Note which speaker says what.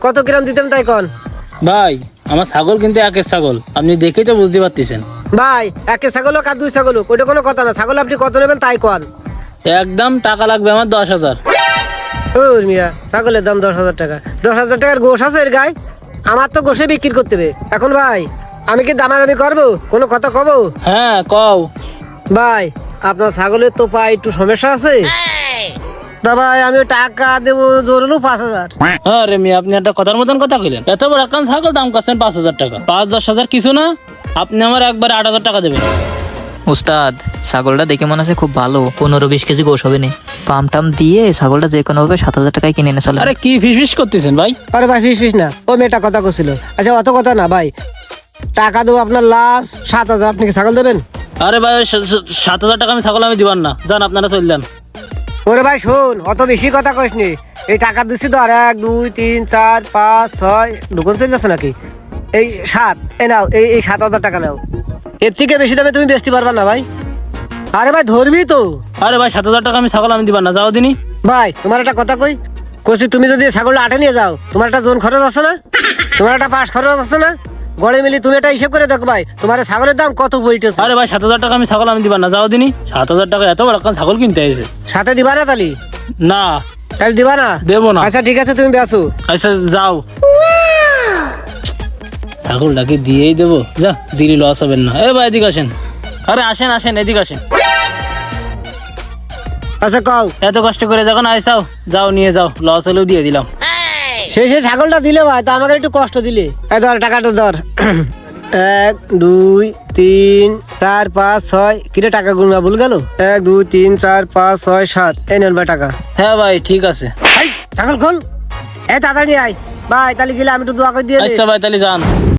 Speaker 1: কত গ্রাম দিতেন তাই কন?
Speaker 2: ভাই আমার ছাগল কিন্তু একের ছাগল, আপনি দেখেই তো বুঝতে পারতেছেন।
Speaker 1: ভাই একে ছাগল হোক আর দুই ছাগল হোক, ওইটা কোনো কথা না। ছাগল আপনি কত নেবেন তাই কন।
Speaker 2: একদম টাকা লাগবে আমার 10,000।
Speaker 1: ও মিয়া, ছাগলের দাম 10,000 টাকা? 10,000 টাকার গোশ আছে এর গায়ে? আমার তো গোশে বিক্রি করতে হবে। এখন ভাই আমি কি দামাদামি করবো? কোনো কথা কব?
Speaker 2: হ্যাঁ কও।
Speaker 1: ভাই আপনার ছাগলের তো পায়ে একটু সমস্যা আছে। তা ভাই আমি টাকা দেবো ধরলো 5,000।
Speaker 2: হ্যাঁ রে মিয়া, আপনি একটা কথার মতন কথা কইলেন। এত বড় একটা ছাগল দাম কাছেন 5,000 টাকা। 5-10,000 কিছু না, আপনি আমার একবার 8,000 টাকা দেবেন।
Speaker 3: উস্তাদ, ছাগলটা দেখে মনে হচ্ছে খুব ভালো, 15-20 কেজি গোশ হবে না। পাম টাম দিয়ে ছাগলটা যে কোনো ভাবে 7,000 টাকায় কিনে এনে চলে।
Speaker 2: আরে কি ফিস করতেছেন ভাই?
Speaker 1: আরে ভাই ফিস না, ও মেয়েটা কথা করছিল। আচ্ছা অত কথা না ভাই, টাকা দেবো আপনার লাস্ট 7,000। আপনি কি ছাগল দেবেন?
Speaker 2: আরে ভাই 7,000 টাকা আমি ছাগল আমি দিবান না, যান আপনারা চললেন।
Speaker 1: ওরে ভাই শোন, অত বেশি কথা কইস নি। এই টাকা দিচ্ছি তো, আর 1 2 3 4 5 6 দোকান চলে যাচ্ছে নাকি? এই 7 এ নাও, এই 7,000 টাকা নাও। এর থেকে বেশি দামে তুমি বেচতে পারবা না ভাই। আরে ভাই ধরবি তো।
Speaker 2: আরে ভাই 7,000 টাকা আমি ছাগল আমি দিবান না, যাও দিনই।
Speaker 1: ভাই তোমার একটা কথা কইছি, তুমি যদি ছাগলটা আটে নিয়ে যাও, তোমার একটা জোন খরচ আছে না? তোমার একটা পাশ খরচ আছে না? গড়ে মিলি তুমি এটা হিসেব করে দেখো ভাই, তোমার ছাগলের দাম কত পড়িতেছে।
Speaker 2: আরে ভাই 7,000 টাকা আমি ছাগল আমি দিবান না, যাও দিনই। 7,000 টাকা এত বড় একটা ছাগল কিনতে আইছে।
Speaker 1: সাথে দিবা না তালি?
Speaker 2: না
Speaker 1: তাহলে দিবা না?
Speaker 2: দেবো না।
Speaker 1: আচ্ছা ঠিক আছে, তুমি বেচো।
Speaker 2: আচ্ছা যাও। ছাগলটাকে দিয়েই দেবো, যা দিলি লস হবেন না। এ ভাই এদিকে আসেন। আরে আসেন আসেন, এদিকে আসেন।
Speaker 1: আচ্ছা কও।
Speaker 2: এত কষ্ট করে যখন আইসাও, যাও নিয়ে যাও, লস হলেও দিয়ে দিলাম।
Speaker 1: সেই ছাগলটা দিলে ভাই, তা আমাকে একটু কষ্ট দিলে। এই ধর টাকাটা ধর। 1 2 3 4 5 6 কিরে টাকা গুনবা ভুল গেল? 1 2 3 4 5 6 7 এই নেন ভাই টাকা।
Speaker 2: হ্যাঁ ভাই ঠিক আছে।
Speaker 1: ছাগল খোল, এই তাড়াতাড়ি আয় ভাই। তাহলে গেলে আমি একটু দোয়া করে দিয়ে দিই।
Speaker 2: আচ্ছা ভাই তাহলে যান।